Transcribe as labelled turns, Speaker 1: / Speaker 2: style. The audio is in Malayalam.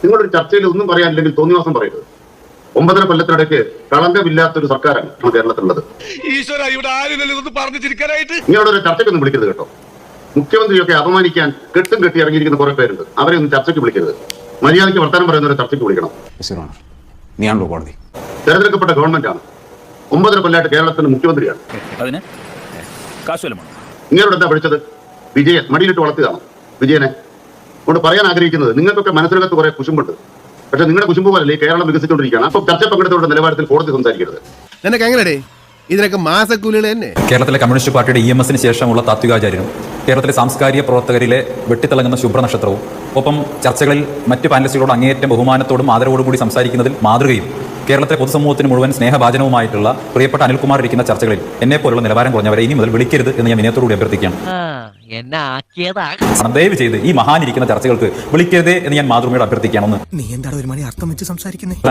Speaker 1: നിങ്ങളൊരു ചർച്ചയിൽ ഒന്നും പറയാനില്ലെങ്കിൽ തോന്നിവാസം പറയരുത്. 9.5 കൊല്ലത്തിനിടയ്ക്ക് കളങ്കമില്ലാത്തൊരു സർക്കാരാണ് കേരളത്തിലുള്ളത്. നിങ്ങളൊരു ചർച്ചയ്ക്കൊന്നും വിളിക്കരുത് കേട്ടോ. മുഖ്യമന്ത്രിയൊക്കെ അപമാനിക്കാൻ കെട്ടും കെട്ടി ഇറങ്ങിയിരിക്കുന്ന കുറെ പേരുണ്ട്. അവരെ ഒന്നും ചർച്ചയ്ക്ക് വിളിക്കരുത്. മര്യാദയ്ക്ക് വർത്തമാനം പറയുന്നവരെ ചർച്ചയ്ക്ക് വിളിക്കണം. തെരഞ്ഞെടുക്കപ്പെട്ട ഗവൺമെന്റാണ്. 9.5 കൊല്ലമായിട്ട് കേരളത്തിന്റെ മുഖ്യമന്ത്രിയാണ്. നിങ്ങളോട് എന്താ പഠിച്ചത്? വിജയൻ മടിയിലിട്ട് വളർത്തുകയാണ് വിജയനെ. കൊണ്ട് പറയാൻ ആഗ്രഹിക്കുന്നത്, നിങ്ങൾക്കൊക്കെ മനസ്സിനകത്ത് കുറെ കുശുമ്പുണ്ട്. പക്ഷെ നിങ്ങളുടെ കുശുമ്പ് പോലെ കേരളം വികസിച്ചുകൊണ്ടിരിക്കുകയാണ്. അപ്പൊ ചർച്ച പങ്കെടുത്തവരുടെ നിലവാരത്തിൽ കോടതി സംസാരിക്കരുത്.
Speaker 2: നിനക്ക് എങ്ങനെ ഇതിനൊക്കെ മാസക്കൂലികൾ തന്നെ?
Speaker 3: കേരളത്തിലെ കമ്മ്യൂണിസ്റ്റ് പാർട്ടിയുടെ EMSന് ശേഷമുള്ള താത്വികാചാര്യനും കേരളത്തിലെ സാംസ്കാരിക പ്രവർത്തകരിലെ വെട്ടിത്തിളങ്ങുന്ന ശുഭ്രനക്ഷത്രവും ഒപ്പം ചർച്ചകളിൽ മറ്റ് പാനലിസ്റ്റുകളോട് അങ്ങേയറ്റം ബഹുമാനത്തോടും ആദരവോടും കൂടി സംസാരിക്കുന്നതിൽ മാതൃകയും കേരളത്തിലെ പൊതുസമൂഹത്തിന് മുഴുവൻ സ്നേഹഭാചനവുമായിട്ടുള്ള പ്രിയപ്പെട്ട അനിൽകുമാർ ഇരിക്കുന്ന ചർച്ചകളിൽ എന്നെ പോലുള്ള നിലവാരം കുറഞ്ഞവരെ ഇനി മുതൽ വിളിക്കരുത് എന്ന് ഞാൻ വിനയത്തോടുകൂടി അഭ്യർത്ഥിക്കുകയാണ്. ദയവ് ചെയ്ത് ഈ മഹാൻ ഇരിക്കുന്ന ചർച്ചകൾക്ക് വിളിക്കരുതേ എന്ന് ഞാൻ മാതൃമയോട് അഭ്യർത്ഥിക്കുകയാണെന്ന്.
Speaker 4: നീ എന്താണ് ഒരു മണി അർത്ഥം വെച്ച് സംസാരിക്കുന്നത്?